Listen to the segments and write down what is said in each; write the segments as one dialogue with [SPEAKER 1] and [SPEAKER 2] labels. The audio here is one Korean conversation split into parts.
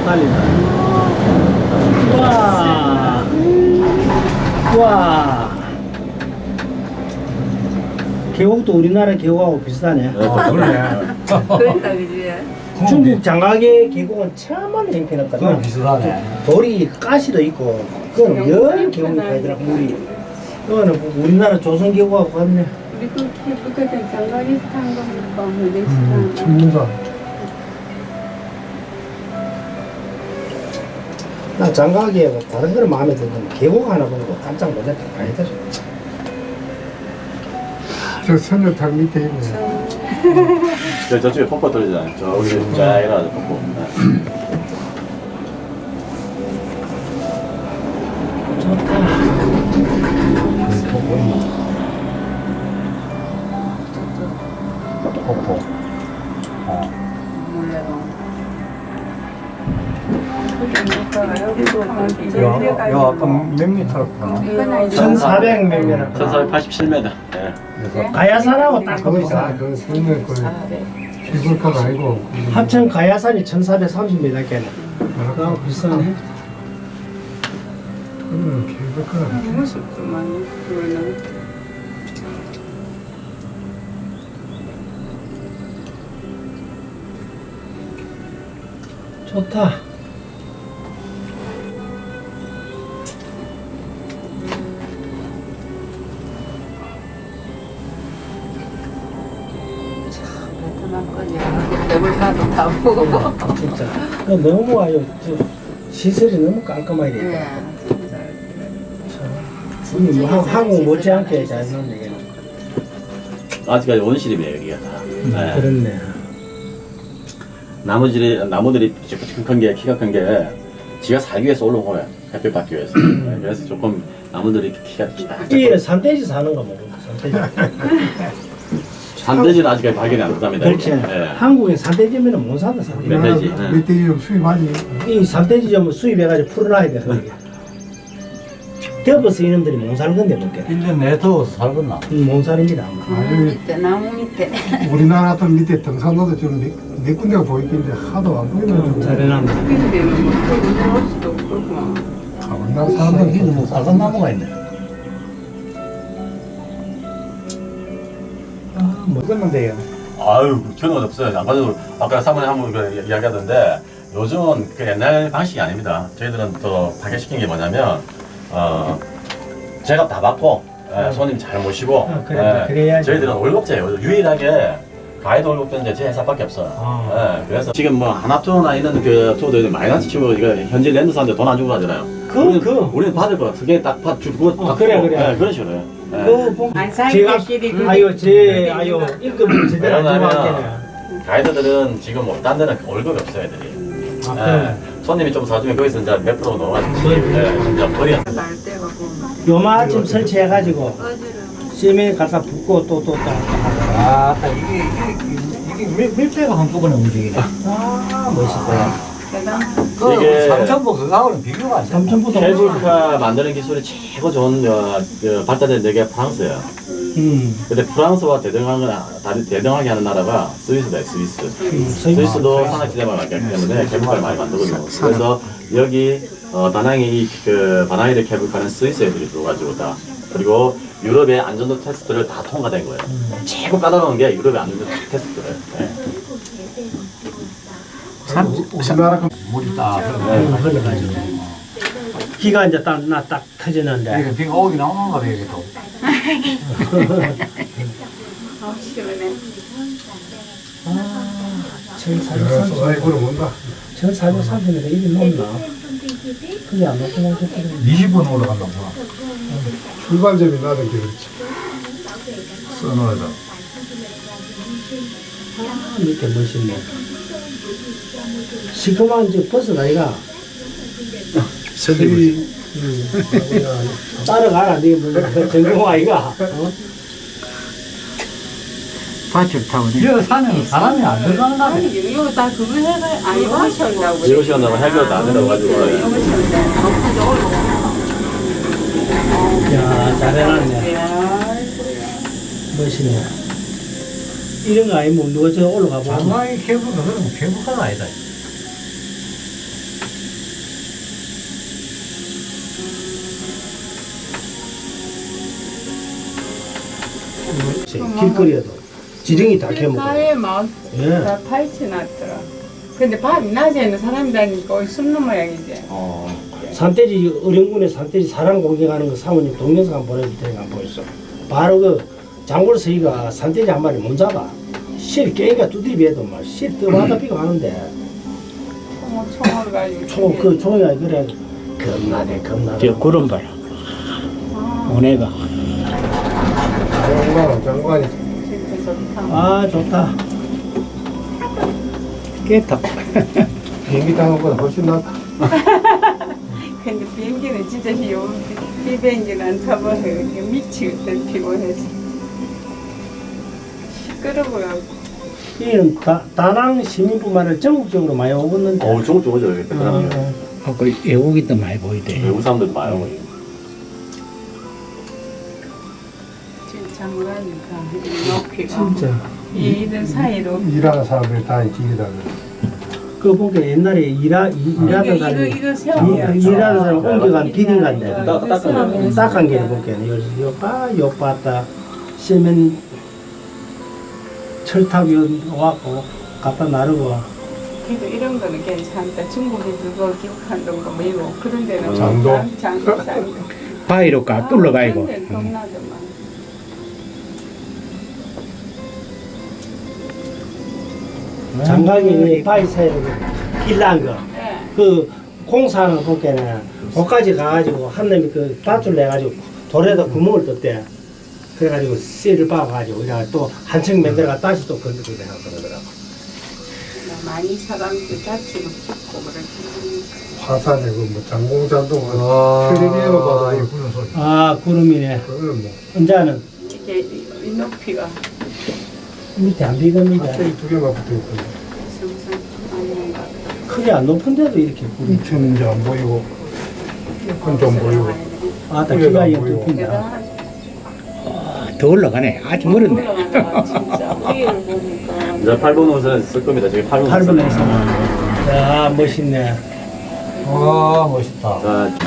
[SPEAKER 1] 달린다. 와. 와. 계곡도 우리나라 계곡하고 비슷하네.
[SPEAKER 2] 그러네.
[SPEAKER 3] 그러니까 그지.
[SPEAKER 1] 중국 장가계 계곡은 천만 형편없거든.
[SPEAKER 2] 그건 비슷하네.
[SPEAKER 1] 돌이 가시도 있고, 그거는 열 계곡이 가더라고 물이. 그거는 우리나라 조선 계곡하고 같네.
[SPEAKER 3] 우리 그 북한에 장가리 탄 거니까 뭐 멕시칸.
[SPEAKER 2] 전문가.
[SPEAKER 1] 나 장가계하고 다른 거는 마음에 드는데 계곡 하나 보고 깜짝 놀랐다. 아니다.
[SPEAKER 2] 저 선녀탕 밑에 있네.
[SPEAKER 4] 저쪽에 폭포 떨어지잖아요. 저기 쫙 일어나죠, 폭포.
[SPEAKER 2] 폭포. 야, 아까 몇 미터였구나.
[SPEAKER 1] 1400 몇 명.
[SPEAKER 4] 1487m.
[SPEAKER 1] 가야산하고 딱 거기 있어.
[SPEAKER 2] 그 선녀 그 기술가가 아니고.
[SPEAKER 1] 합천 가야산이 1430m겠네. 아, 비싸네.
[SPEAKER 2] 기술가가.
[SPEAKER 3] 무섭구만. 그거는.
[SPEAKER 1] 좋다.
[SPEAKER 3] 베트남 거지. 배불러도 다 보고.
[SPEAKER 1] 진짜. 너무 와요. 시설이 너무 깔끔하게 돼 있다.
[SPEAKER 3] 예.
[SPEAKER 1] 참. 한국 못지않게 잘 넣네.
[SPEAKER 4] 아직까지 원시림이에요, 여기가 다. 네.
[SPEAKER 1] 그렇네.
[SPEAKER 4] 나무들이 큰 게, 키가 큰 게, 지가 살기 위해서 올라온 거예요. 햇빛 받기 위해서. 네, 그래서 조금 나무들이 키가 작아.
[SPEAKER 1] 이 산돼지 사는 거 먹어. 산돼지.
[SPEAKER 4] 산돼지는 아직까지 발견이 안 됐답니다.
[SPEAKER 1] 그렇지.
[SPEAKER 4] 네.
[SPEAKER 1] 한국에 산돼지면 못 산다. 산돼지.
[SPEAKER 4] 멧돼지.
[SPEAKER 2] 멧돼지 좀 수입하지.
[SPEAKER 1] 이 산돼지 좀 수입해가지고 풀어놔야 돼. 덮어서 이놈들이 못 사는 건데 못 게.
[SPEAKER 2] 1년 내에 더워서 살겠나?
[SPEAKER 1] 못 사는지다 아마.
[SPEAKER 2] 아유,
[SPEAKER 3] 밑에 나무 밑에.
[SPEAKER 2] 우리나라 같은 밑에 등산로도 좀 네 군데가 보이긴데 하도 안 보이는.
[SPEAKER 1] 잘해놨네.
[SPEAKER 3] 근데는 뭐 그거 올 수도 없고.
[SPEAKER 2] 가만나 사람들
[SPEAKER 5] 뭐 빨간 나무가 있네.
[SPEAKER 1] 먹었는데요.
[SPEAKER 4] 아유, 견우가 없어요. 안 가도 아까 사모님 한번 이야기하던데 요즘은 그 옛날 방식이 아닙니다. 저희들은 더 파괴시킨 게 뭐냐면 제가 다 받고 손님 잘 모시고
[SPEAKER 1] 그래, 그래야지.
[SPEAKER 4] 저희들은 월급제예요. 유일하게 가이드 월급제는 제 회사밖에 없어요. 그래서 지금 뭐 하나투어나 이런 그 투어도 마이너스 치고 이거 현지 랜드사한테 돈 안 주고 가잖아요. 우리는 받을 거 그게 딱 주고 딱
[SPEAKER 1] 그래,
[SPEAKER 4] 주고,
[SPEAKER 1] 그래.
[SPEAKER 4] 그런 식으로 해요.
[SPEAKER 1] 제가 아유 일금을 제대로 안 주고 할게네.
[SPEAKER 4] 가이드들은 지금 뭐 딴 데는 월급이 없어요, 애들이. 손님이 좀 사주면 거기서 이제 몇 프로 넘어가지고 진짜 버려.
[SPEAKER 3] 날 때가 보면.
[SPEAKER 1] 요마침 설치해가지고 시멘 갖다 붓고 또
[SPEAKER 5] 아, 이게 밀배가 한꺼번에 움직이네.
[SPEAKER 1] 아, 멋있다.
[SPEAKER 4] 이게
[SPEAKER 5] 삼천보 그거하고는 비교가 안 돼.
[SPEAKER 1] 삼천보다
[SPEAKER 4] 케이블카 만드는 기술이 최고 좋은 발달된 데가 프랑스예요. 근데 프랑스와 대등하게 하는 나라가 스위스다, 스위스. 스위스도 산악지대만 많기 때문에 케이블카를 많이 만들거든요. 그래서 여기 다낭의 이 바나이르 케이블카는 스위스 애들이 들어가지고 다. 그리고 유럽의 안전도 테스트를 다 통과된 거예요. 최고 까다로운 게 유럽의 안전도 테스트를. 네.
[SPEAKER 2] 우리나라 그
[SPEAKER 5] 물이 딱.
[SPEAKER 1] 흘러가지고. 기가 이제 딱 터지는데.
[SPEAKER 5] 이게 비가 오긴 나오는가 봐, 이게 또.
[SPEAKER 3] 아, 시원해.
[SPEAKER 2] 소사이브로 뭔가.
[SPEAKER 1] 1430m 이게 넘나? 그게 안 넘고 나겠거든.
[SPEAKER 5] 20분 올라간다, 뭐.
[SPEAKER 2] 출발점이 나는 게 그렇지.
[SPEAKER 5] 써놓아야
[SPEAKER 1] 아, 이렇게 멋있네. 시커먼 저 버스 아이가.
[SPEAKER 2] 새들이
[SPEAKER 1] 따라가라, 네 전공 아이가.
[SPEAKER 5] 밭을 타고. 이 산에는 사람이 안 들어가는가 봐.
[SPEAKER 3] 아니, 이거 다 그거 해가 아니 하셨다고.
[SPEAKER 4] 7시간 동안 해결도 안 된다고 가지고.
[SPEAKER 1] 야, 잘해놨네. 멋있네. 이런 거 아니면 누가 저 올라가 보면.
[SPEAKER 5] 장마의 케이블카, 그러면 케이블카가 아니다.
[SPEAKER 1] 길거리에도 지렁이 다 캐먹어.
[SPEAKER 3] 가에 막
[SPEAKER 1] 예.
[SPEAKER 3] 다 파헤쳐 놨더라. 근데 낮에는 사람이 다니니까 거의 숨는 모양이지.
[SPEAKER 1] 산돼지 어령군에 산돼지 사람 공격하는 거 사모님 동영상 한번 보내줄 테니까 한번 보였어. 바로 그 장골 서희가 산돼지 한 마리 못 잡아. 실 깨니까 두드리비해도 막실 떠마다 비가 하는데
[SPEAKER 3] 총을 가지고.
[SPEAKER 1] 그 총이가 그래 겁나대 겁나대.
[SPEAKER 5] 저 구름 봐라. 오네가.
[SPEAKER 2] 장관이
[SPEAKER 3] 진짜 좋다.
[SPEAKER 1] 아 좋다.
[SPEAKER 5] 깨다.
[SPEAKER 2] 비행기 타는 것보다 훨씬 낫다.
[SPEAKER 3] 근데 비행기는 진짜 비행기는 안 타봐요. 미치겠다 피곤해서. 시끄러워요.
[SPEAKER 1] 이는 다낭 시민뿐만 아니라 전국적으로 많이 오겠는데.
[SPEAKER 4] 중국 오죠 여기 베트남.
[SPEAKER 5] 그 외국인도 많이 보이대.
[SPEAKER 4] 외국 사람들 많아요.
[SPEAKER 3] 진짜 장관이니까 높이가.
[SPEAKER 1] 진짜.
[SPEAKER 3] 이들 사이로.
[SPEAKER 2] 일하는 사람들이 다 길이다.
[SPEAKER 1] 그 보니까 옛날에 일하던 사람이
[SPEAKER 3] 이거 세워.
[SPEAKER 1] 일하는 사람 옮겨간 비딩간데
[SPEAKER 4] 딱
[SPEAKER 1] 딱한 개를 보니까 요 봤다 시멘 철탑이 와갖고 갖다 나르고.
[SPEAKER 3] 그래도 이런 거는 괜찮다. 중국이 그거 기록한다는 거 뭐이고 그런 데는
[SPEAKER 2] 장도?
[SPEAKER 3] 장도.
[SPEAKER 5] 바위로 가 뚫러가이고.
[SPEAKER 3] 그런 데는 겁나더만.
[SPEAKER 1] 장강이 바위 사이로 길난 거.
[SPEAKER 3] 네.
[SPEAKER 1] 그 공사하는 거 보니까는 거기까지 가가지고 한 놈이 그 밧줄 내가지고 돌에다 구멍을 떴대. 그래가지고 씨를 박아가지고 그냥 또 한층 만들어가 다시 또 건드리고 내가 그러더라고.
[SPEAKER 3] 많이 사람들 다치고 죽고 그렇게.
[SPEAKER 2] 화산에 그뭐 장공잔도 텔레비에만 봐도 그런 소리.
[SPEAKER 1] 아 구름이네.
[SPEAKER 2] 그거는 뭐
[SPEAKER 1] 혼자는
[SPEAKER 3] 이게 이 높이가
[SPEAKER 1] 밑에 안 비겠는데
[SPEAKER 2] atel이 두 개만 붙어 있거든.
[SPEAKER 3] 항상 아닌 것 같아.
[SPEAKER 1] 크게 안 높은데도 이렇게 구름.
[SPEAKER 2] 2층은 이제 안 보이고 그건 좀 보이고.
[SPEAKER 1] 아따 기가 이거 높은데.
[SPEAKER 3] 대단하지.
[SPEAKER 5] 더 올라가네. 아주 멀었네.
[SPEAKER 3] 올라간다 진짜. 위를 보니까.
[SPEAKER 4] 이제 8번 노선 쓸 겁니다. 저기 8번
[SPEAKER 1] 8번에서. 야 멋있네.
[SPEAKER 2] 아 멋있다.
[SPEAKER 4] 자,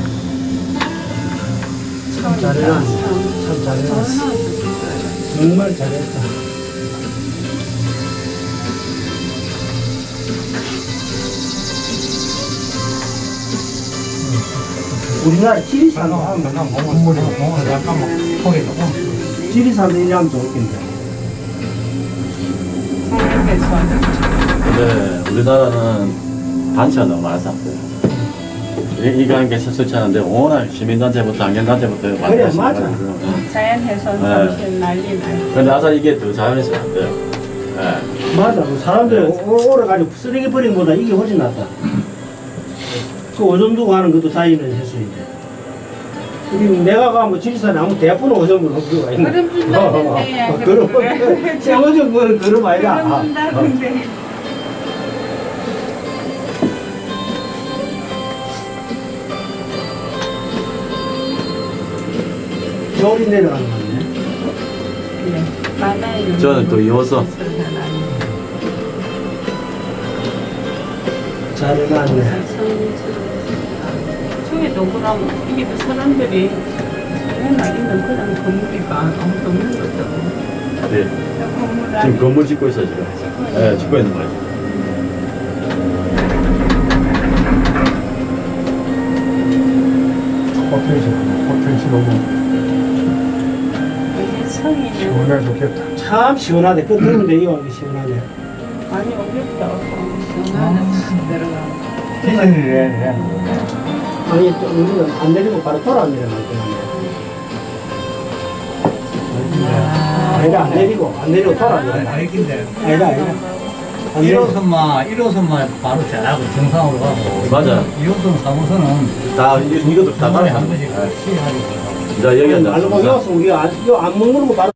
[SPEAKER 1] 참 잘해놨네. 참 잘해놨어. 정말 잘했다. 우리나라 지리산도 하면
[SPEAKER 2] 건물이
[SPEAKER 5] 잠깐만. 거기 조금.
[SPEAKER 1] 지리산도 일하면 좋겠는데.
[SPEAKER 4] 근데 우리나라는 단체가 너무 많아서 안 돼요. 이거 하는 게 실수치 않은데 워낙 시민단체부터 환경단체부터 많이
[SPEAKER 1] 그래,
[SPEAKER 4] 하시는
[SPEAKER 1] 맞아.
[SPEAKER 4] 거예요.
[SPEAKER 3] 자연훼손
[SPEAKER 4] 네.
[SPEAKER 3] 정신 난리 나요.
[SPEAKER 4] 근데 아사 이게 더 자연에서 안 돼요.
[SPEAKER 1] 맞아. 그 사람들이 오래가지고 쓰레기 버리는 것보다 이게 훨씬 낫다. 그 오줌 두고 하는 것도 자연의 횟수인데. 우리 내가 가면 지리산에 아무 대포는 오줌을 없고 있나?
[SPEAKER 3] 그럼 준다는데.
[SPEAKER 1] 그럼 생오줌 그건 그럼 아니다.
[SPEAKER 3] 그럼 준다는데.
[SPEAKER 1] 겨울이 내려가는 거네.
[SPEAKER 3] 바다에는
[SPEAKER 4] 저는 또 이어서
[SPEAKER 1] 잘 해놨네.
[SPEAKER 3] 저기도 그럼 이게 또 사람들이 맨날 있는 그런 건물이가 아무도 없는 것도
[SPEAKER 4] 네.
[SPEAKER 3] 건물
[SPEAKER 4] 지금
[SPEAKER 3] 안에
[SPEAKER 4] 건물 짓고 있어요 지금. 네, 짓고 있는 거예요.
[SPEAKER 2] 호텔이 너무
[SPEAKER 3] 이게 성이
[SPEAKER 2] 시원해 좋겠다.
[SPEAKER 1] 참 시원하대. 그 들으면 이거 하기 시원하네.
[SPEAKER 3] 많이 오겠다. 시원하네. 들어가.
[SPEAKER 5] 디즈니랜드.
[SPEAKER 1] 아니 또 우리는 안 내리고 바로 돌아내려면 되는데. 아니다 안 내리고 돌아내려.
[SPEAKER 5] 알긴데.
[SPEAKER 1] 아니다. 안 내리고.
[SPEAKER 5] 1호선만 바로 잘하고 정상으로 가고.
[SPEAKER 4] 맞아.
[SPEAKER 5] 2호선, 3호선은
[SPEAKER 4] 다 이것도 다
[SPEAKER 5] 중간에 한
[SPEAKER 4] 따로
[SPEAKER 5] 번씩
[SPEAKER 4] 네.
[SPEAKER 5] 시행하고.
[SPEAKER 4] 자 여기 앉아.
[SPEAKER 1] 알고 여기서 우리가 안 먹는 거 바로